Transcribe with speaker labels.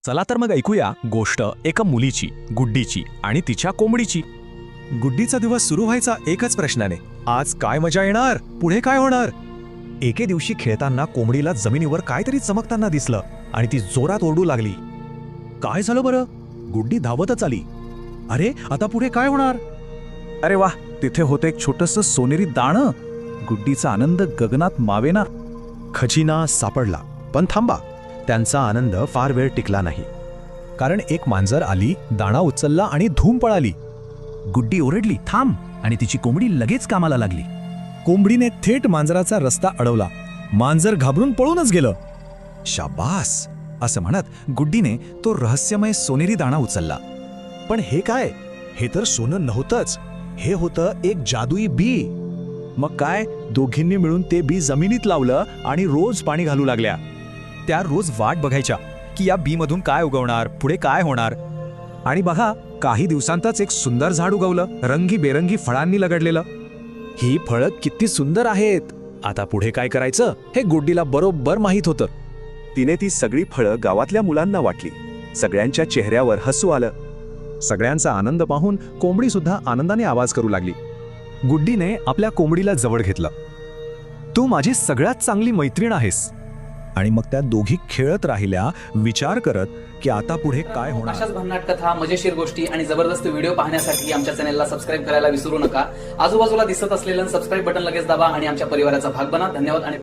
Speaker 1: चला तर मग ऐकूया गोष्ट एका मुलीची, गुड्डीची आणि तिच्या कोंबडीची. गुड्डीचा दिवस सुरू व्हायचा एकच प्रश्नाने, आज काय मजा येणार, पुढे काय होणार. एके दिवशी खेळताना कोंबडीला जमिनीवर काहीतरी चमकताना दिसलं आणि ती जोरात ओरडू लागली. काय झालं बरं? गुड्डी धावतच आली. अरे आता पुढे काय होणार?
Speaker 2: अरे वाह, तिथे होतं एक छोटंसं सोनेरी दाणं. गुड्डीचा आनंद गगनात मावेना.
Speaker 1: खजिना सापडला. पण थांबा, त्यांचा आनंद फार वेळ टिकला नाही. कारण एक मांजर आली, दाणा उचलला आणि धूम पळाली.
Speaker 2: गुड्डी ओरडली, थांब, आणि तिची कोंबडी लगेच कामाला लागली.
Speaker 1: कोंबडीने थेट मांजराचा रस्ता अडवला. मांजर घाबरून पळूनच गेलं.
Speaker 2: शाबास असं म्हणत गुड्डीने तो रहस्यमय सोनेरी दाणा उचलला.
Speaker 1: पण हे काय? हे तर सोनं नव्हतंच. हे होतं एक जादुई बी. मग काय, दोघींनी मिळून ते बी जमिनीत लावलं आणि रोज पाणी घालू लागल्या. त्या रोज वाट बघायच्या की या बी मधून काय उगवणार, पुढे काय होणार. आणि बघा, काही दिवसांतच एक सुंदर झाड उगवलं, रंगीबेरंगी फळांनी लगडलेलं. ही फळं किती सुंदर आहेत. आता पुढे काय करायचं हे गुड्डीला बरोबर माहीत होतं.
Speaker 3: तिने ती सगळी फळं गावातल्या मुलांना वाटली. सगळ्यांच्या चेहऱ्यावर हसू आलं.
Speaker 1: सगळ्यांचा आनंद पाहून कोंबडी सुद्धा आनंदाने आवाज करू लागली. गुड्डीने आपल्या कोंबडीला जवळ घेतलं. तू माझी सगळ्यात चांगली मैत्रीण आहेस. आणि मग त्या दोघी खेळत राहिल्या, विचार करत की आता पुढे काय होणार.
Speaker 4: अशाच भन्नाट कथा, मजेशीर गोष्टी आणि जबरदस्त व्हिडिओ पाहण्यासाठी आमच्या चॅनलला सबस्क्राईब करायला विसरू नका. आजूबाजूला दिसत असलेलं सबस्क्राईब बटन लगेच दाबा आणि आमच्या परिवाराचा भाग बना. धन्यवाद आणि